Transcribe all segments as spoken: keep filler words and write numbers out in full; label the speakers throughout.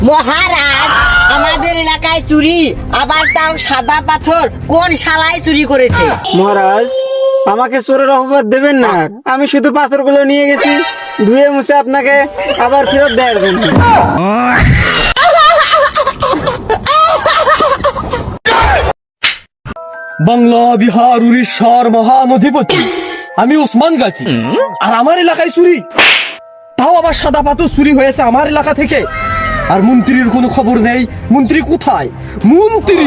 Speaker 1: মহারাজ, আমাদের এলাকায় চুরি, আবার তাও সাদা পাথর, কোন শালায় চুরি করেছে?
Speaker 2: মহারাজ, আমাকে চোরের অপবাদ দেবেন না। আমি শুধু পাথরগুলো নিয়ে গেছি ধুয়ে মুছে আপনাকে আবার ফেরত দেওয়ার জন্য।
Speaker 3: বাংলা, বিহার, উড়িষ্যার মহান অধিপতি আমি ওসমান গাজী। আর আমার এলাকায় চুরি, তাও আবার সাদা পাথর চুরি হয়েছে আমার এলাকা থেকে। আর মন্ত্রীর কোনো খবর নেই। মন্ত্রী কোথায়? মন্ত্রী!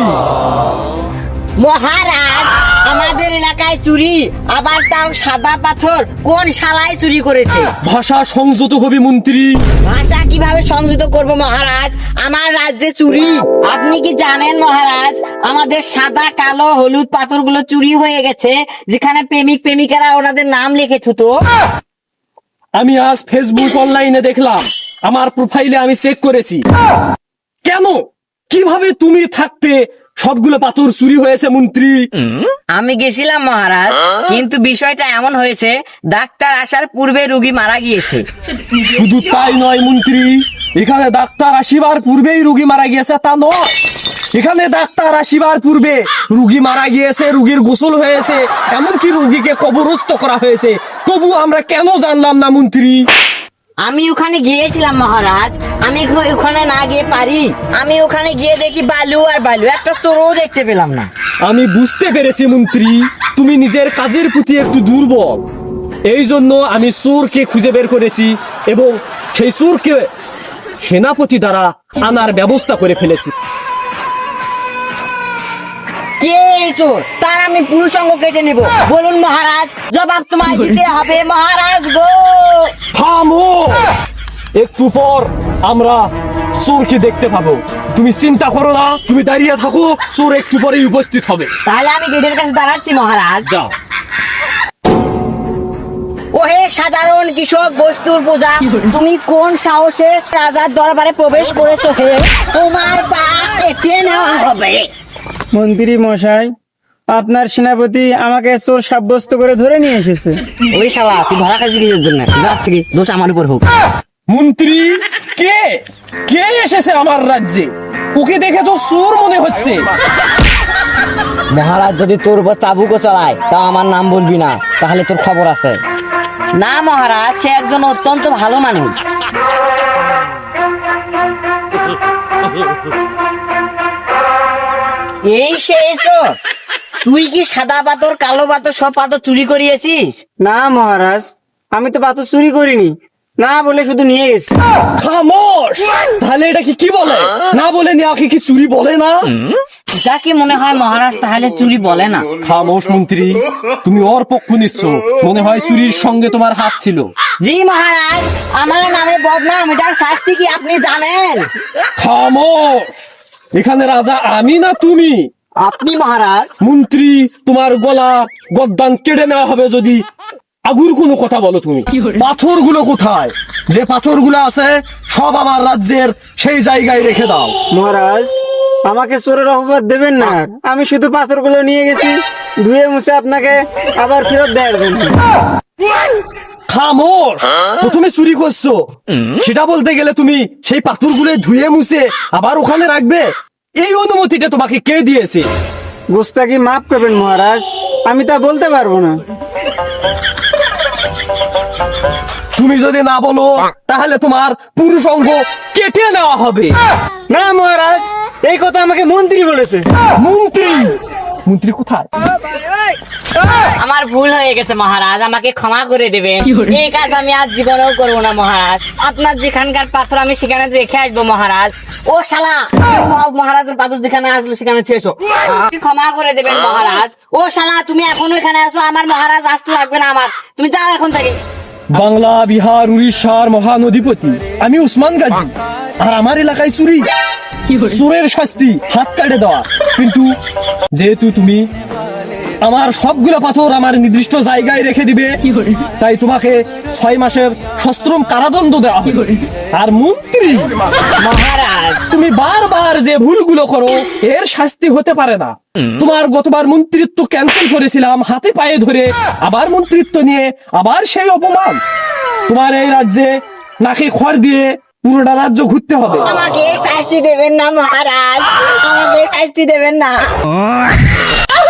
Speaker 1: মহারাজ, আমাদের এলাকায় চুরি, আবার তাও সাদা পাথর, কোন শালায় চুরি করেছে?
Speaker 3: ভাষা সংযত হবে মন্ত্রী।
Speaker 1: ভাষা কিভাবে সংযত করব মহারাজ? আমার রাজ্যে চুরি। আপনি কি জানেন মহারাজ, আমাদের সাদা, কালো, হলুদ পাথরগুলো চুরি হয়ে গেছে, যেখানে প্রেমিক প্রেমিকারা ওনাদের নাম লিখে থুতো।
Speaker 3: আমি আজ ফেসবুক অনলাইনে দেখলাম, আমার প্রোফাইলে আমি চেক করেছি। কেন, কিভাবে তুমি থাকতে সবগুলো পাথর চুরি হয়েছে মন্ত্রী?
Speaker 1: আমি গেছিলাম মহারাজ, কিন্তু বিষয়টা এমন হয়েছে, ডাক্তার আসার পূর্বে রোগী মারা গিয়েছে।
Speaker 3: শুধু তাই নয় মন্ত্রী, এখানে ডাক্তার আসিবার পূর্বেই রোগী মারা গিয়েছে তা নয়। এখানে ডাক্তার আসিবার পূর্বে রোগী মারা গিয়েছে, রোগীর গোসল হয়েছে, এমনকি রোগীকে কবরস্থ করা হয়েছে। তবু আমরা কেন জানলাম না মন্ত্রী?
Speaker 1: আমি ওখানে গিয়েছিলাম মহারাজ, আমি ঘ- ওখানে না গিয়ে পারি? আমি ওখানে গিয়ে দেখি বালু আর বালু, একটা চোরও দেখতে পেলাম না।
Speaker 3: আমি বুঝতে পেরেছি মন্ত্রী, তুমি নিজের কাজের প্রতি একটু দুর্বল। এই জন্য আমি চোরকে খুঁজে বের করেছি এবং সেই চোরকে সেনাপতি দ্বারা আনার ব্যবস্থা করে ফেলেছি।
Speaker 1: কে এই চোর? তার আমি পুরুষ অঙ্গ কেটে নেব। বলুন মহারাজ, জবাব তোমায় দিতে হবে মহারাজ গো।
Speaker 3: থামো, একটু পর আমরা চোরকে দেখতে পাবো। তুমি চিন্তা করো না, তুমি দাঁড়িয়ে থাকো, চোর একটু পরেই উপস্থিত হবে।
Speaker 1: তাহলে আমি গেটের কাছে দাঁড়াচ্ছি মহারাজ।
Speaker 3: যাও।
Speaker 1: ওহে সাধারণ কৃষক বস্তুর পূজা, তুমি কোন সাহসে রাজার দরবারে প্রবেশ করেছো হে? তোমার পা কেটে নেওয়া হবে।
Speaker 2: মন্ত্রী মশাই, আপনার সেনাপতি আমাকে চোর সাব্যস্ত করে ধরে নিয়ে এসেছে।
Speaker 1: ওই শালা, তুই ধরা খাচ্ছিস কিসের জন্য? যা থেকে দোষ আমার উপর হোক।
Speaker 3: মন্ত্রী, কে কে এসেছে আমার রাজ্যে? ওকে দেখে তো চোর মনে হচ্ছে।
Speaker 1: মহারাজ যদি তোর উপর চাবুকও চালায়, তা আমার নাম বলবি না, তাহলে তোর খবর আছে। না মহারাজ, সে একজন অত্যন্ত ভালো মানুষ। এই সেই চোর? তুই কি সাদা পাথর, কালো পাথর, সব পাথর চুরি করিয়েছিস?
Speaker 2: না মহারাজ, আমি তো পাথর চুরি করিনি, না বলে শুধু নিয়ে গেছি।
Speaker 3: খামোশ! তাহলে এটা কি কি বলে? না বলে নিয়ে কি চুরি বলে না?
Speaker 1: এটা কি মনে হয় মহারাজ তাহলে চুরি বলে না?
Speaker 3: খামোশ মন্ত্রী, তুমি ওর পক্ষ নিচ্ছ। মনে হয় চুরির সঙ্গে তোমার হাত ছিল।
Speaker 1: জি মহারাজ, আমার নামে বদনাম, এটার শাস্তি কি আপনি জানেন?
Speaker 3: খামোশ! এখানে রাজা আমি না তুমি?
Speaker 1: আপনি মহারাজ।
Speaker 3: মন্ত্রী, তোমার গলা গদ্দান কেটে নেওয়া হবে যদি আগুর কোনো কথা বলো। তুমি পাথরগুলো কোথায়? যে পাথরগুলো আছে সব আমার রাজ্যের সেই জায়গায় রেখে দাও।
Speaker 2: মহারাজ, আমাকে চোরের অপবাদ দেবেন না। আমি শুধু পাথরগুলো নিয়ে গেছি ধুয়ে মুছে আপনাকে আবার ফেরত দেওয়ার জন্য।
Speaker 3: খামোশ! প্রথমে চুরি করছো, সেটা বলতে গেলে তুমি সেই পাথরগুলো ধুয়ে মুছে আবার ওখানে রাখবে? এই অনুমতিটা তোমাকে কে দিয়েছে?
Speaker 2: গোস্তাকি মাফ করবেন মহারাজ, আমি তা বলতে পারবো না।
Speaker 3: তুমি যদি না বলো তাহলে তোমার পুরুষ অঙ্গ কেটে নেওয়া হবে।
Speaker 2: না মহারাজ, এই কথা আমাকে মন্ত্রী বলেছে।
Speaker 3: মন্ত্রী? মন্ত্রী কোথায়?
Speaker 1: আমার ভুল হয়ে গেছে মহারাজ, আমাকে ক্ষমা করে দেবেন। এই কাজ আমি আজ জীবনেও করবো না মহারাজ। আপনার যেখানকার পাথর আমি সেখানে রেখে আসবো মহারাজ। ও শালা, মহারাজের পাথর যেখানে আসলো সেখানে শেষ। ক্ষমা করে দেবেন মহারাজ। ও শালা, তুমি এখনো এখানে আসো, আমার মহারাজ আসতে লাগবে না আমার। তুমি যাও এখন থেকে।
Speaker 3: বাংলা, বিহার, উড়িষ্যার মহান অধিপতি আমি ওসমান গাজী। আর আমার এলাকায় চুরি, চোরের শাস্তি হাত কাটে দেওয়া। কিন্তু যেহেতু তুমি আমার সবগুলো পাথর আমার নির্দিষ্ট জায়গায় রেখে দিবে, তাই তোমাকে ছয় মাসের সশ্রম কারাদণ্ড দেওয়া হবে। আর মন্ত্রী
Speaker 1: মহারাজ,
Speaker 3: তুমি বারবার যে ভুলগুলো করো এর শাস্তি হতে পারে না। তোমার গতবার মন্ত্রিত্ব ক্যান্সেল করেছিলাম হাতে পায়ে ধরে, আবার মন্ত্রিত্ব নিয়ে আবার সেই অপমান। তোমার এই রাজ্যে নাকে খড় দিয়ে পুরোটা রাজ্য ঘুরতে হবে।
Speaker 1: আমাকে শাস্তি দেবেন না মহারাজ, আমাকে শাস্তি দেবেন না।